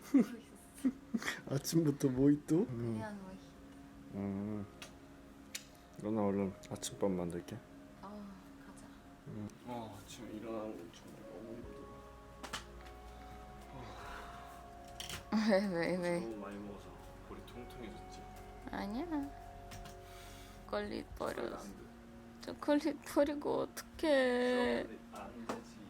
아침부터 모히또? 그냥 뭐. 너나 얼른 아침밥 만들게. 가자. 아침에 일어나는 건 정말 너무 힘들어. 왜? 너무 많이 먹어서 머리 통통해졌지. 아니야. 초콜릿 버렸어. 안 돼. 초콜릿 버리고 어떡해. 안 되지.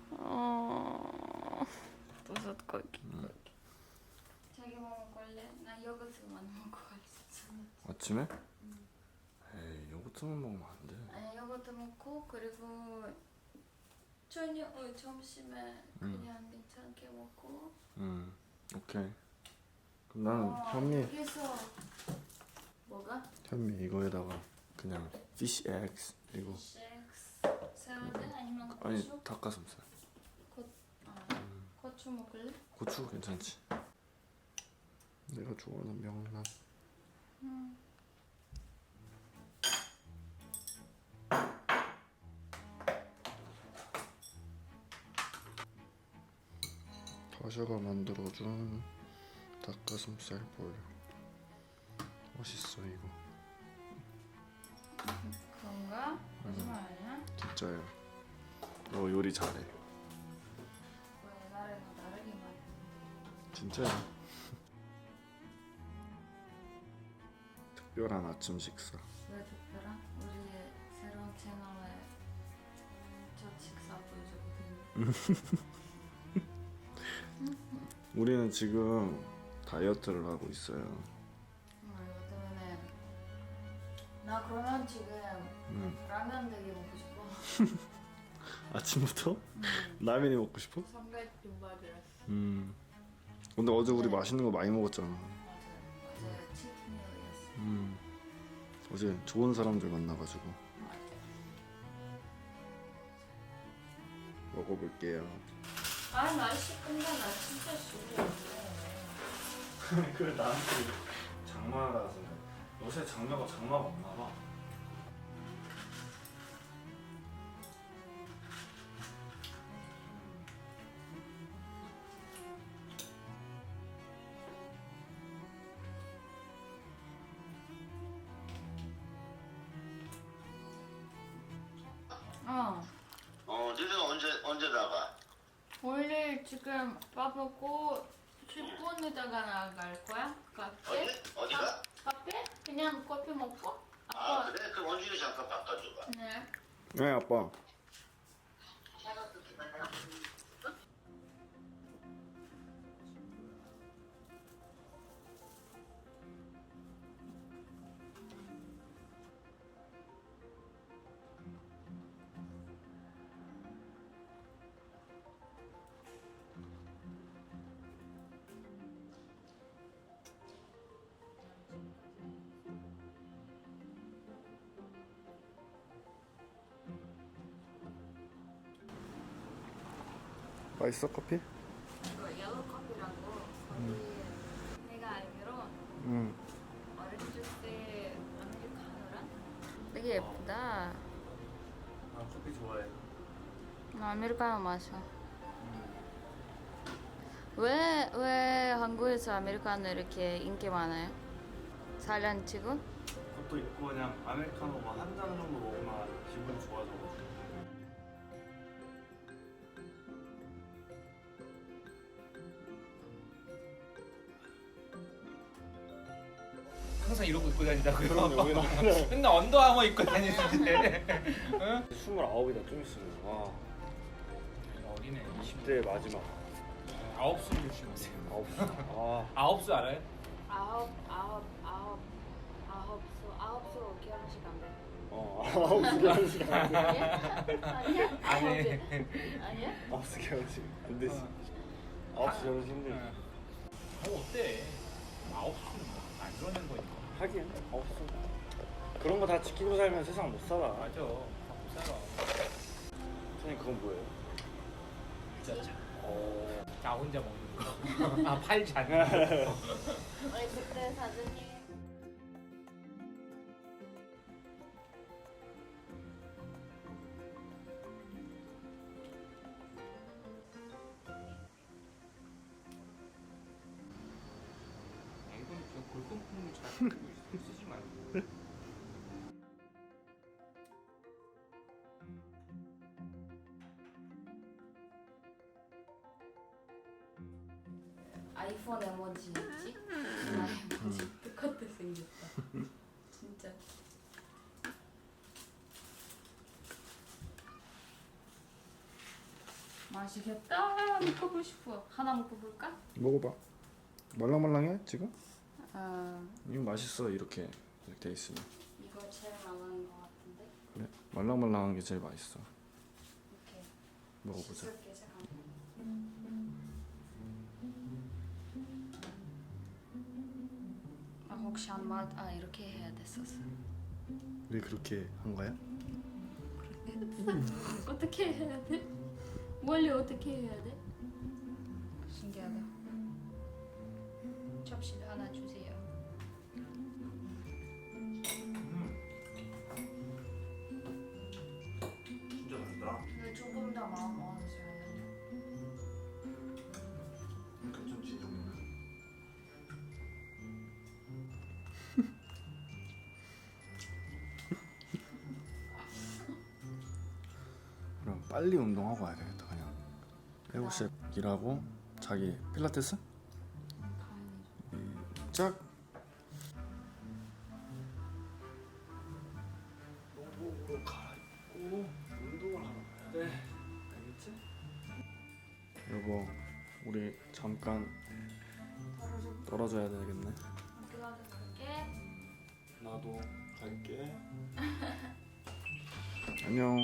버섯 고기. 자기 뭐 먹을래? 나 요거트만 먹어야지. 아침에? 에이, 요거트만 먹으면 안 돼. 아니 요거트 먹고 그리고 저녁 점심에 그냥 괜찮게 먹고. 오케이. 그럼 나는 여기서 뭐가? 현미 이거에다가 그냥 fish eggs 그리고 섹스 샐러드 아니면 고추? 아니 닭가슴살. 고추 먹을래? 고추 괜찮지. 내가 좋아하는 명란. 다샤가 만들어준 닭가슴살 볼. 멋있어 이거. 그런가? 거짓말 아니야? 진짜야. 너 요리 잘해. 왜 옛날에는 다르기만 했는데. 진짜야. 특별한 아침 식사. 왜 특별한? 우리 새로운 채널에 첫 식사 보여주거든. 우리는 지금 다이어트를 하고 있어요. 이거 때문에 나 그러면 지금 라면 되게 먹고 싶어. 아침부터? 라면이 먹고 싶어? 삼각김밥이랑. 근데 어제 우리 맛있는 거 많이 먹었잖아. 맞아요. 어제 치트밀이었어. 어제 좋은 사람들 만나가지고 맞아. 먹어볼게요. 아 날씨 근데 나 진짜 싫어. 그래 나한테 장마라서 요새 장마가 없나 봐. 니는 언제 나가? 원래 지금 밥 먹고 10분 있다가 나갈 거야? 카페? 어디가? 카페? 그냥 커피 먹고? 아 그래? 그럼 원준이 잠깐 바꿔줘봐. 네. 네 아빠. 맛있어 커피? 이거 옐로우 커피라고 거기 내가 알기로 오렌지 주스 아메리카노랑 되게 예쁘다. 아 커피 좋아해. 나 아메리카노 마셔. 왜 한국에서 아메리카노 이렇게 인기 많아요? 살란 치고? 그것도 있고 그냥 아메리카노 한 잔 정도 먹으면 기분이 좋아져. 항상 이러고 입고 다니다고요? 그럼요. 맨날 언더아머 입고 다니는데. 응? 29이다 좀 있으면. 와 어리네. 20대 마지막. 9수 조심하세요. 9시. 9수 알아요? 아홉수 결혼식 안 돼. 9시 결혼식 안 돼. 아니야? 아니. 아니야? 9시 결혼식 안 되지. 9시 결혼식 힘들지. 어때? 9수는 뭐안 그러는 거니까. 하긴 9시. 그런 거 다 지키고 살면 세상 못 살아. 맞아. 갖고 살아. 선생님 그건 뭐예요? 진짜. 나 혼자 먹는 거. 아 팔지 않는 거. 우리 그때 사진이 아이폰 에모지 있지? 나 에모지 똑같아 생겼다. 진짜. 맛있겠다. 먹어보고 싶어. 하나 먹어볼까? 먹어봐. 말랑말랑해 지금? 아 이거 맛있어 이렇게 돼 있으면. 이거 제일 많은 것 같은데. 그래? 말랑말랑한 게 제일 맛있어. 이렇게. 먹어보자. 씻을게 잠깐. 아 혹시 안 맞? 아 이렇게 해야 됐었어. 우리 그렇게 한 거야? 어떻게 해야 돼? 원래 어떻게 해야 돼? 신기하다. 접시 하나 주세요. 진짜 맛있다. 근데 조금 더 마음 먹었어요. 괜찮지 이 정도면. 그럼 빨리 운동하고 와야 되겠다 그냥. 7시에 일하고 자기 필라테스? 짝. 노복으로 갈아입고 운동을 하러 가야 돼. 알겠지? 여보, 우리 잠깐 떨어져야 되겠네. 들어갈게. 나도 갈게. 안녕.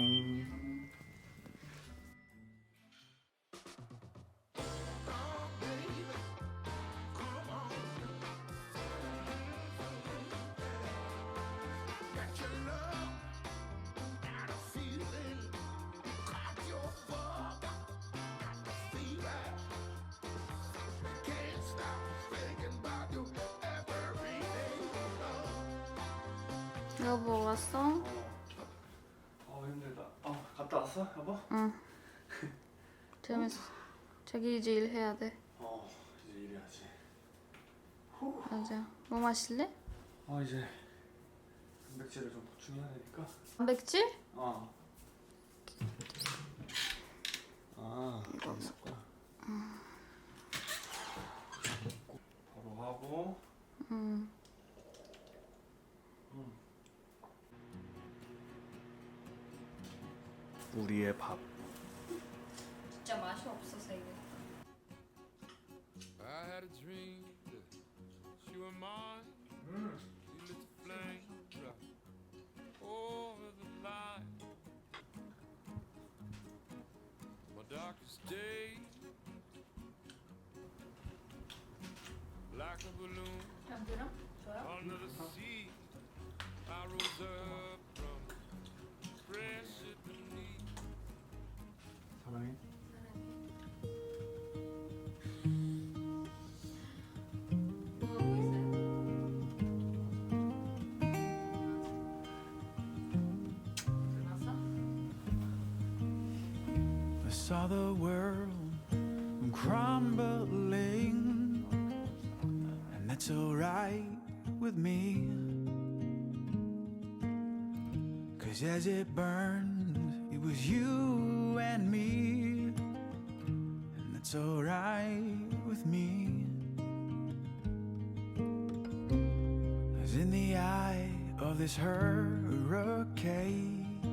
여보 왔어? 힘들다. 갔다 왔어, 여보? 응. 재밌어. 자기 이제 일해야 돼. 이제 일해야지. 맞아. 뭐 마실래? 이제 단백질을 좀 보충해야 되니까. 단백질? 이거 있었구나. 바로 하고. 응. 우리의 밥. 진짜 맛이 없어서 이게. I had a dream that you were mine. You lit the flame right over the line. My darkest day, like a balloon 참기름? 줘요? under the sea. I rose up from pressure beneath. 사랑해. 뭐 하고 있어요? 끝났어? I saw the world crumbling, and that's alright with me. 'Cause as it burned, it was you and me, and that's alright with me. 'Cause in the eye of this hurricane,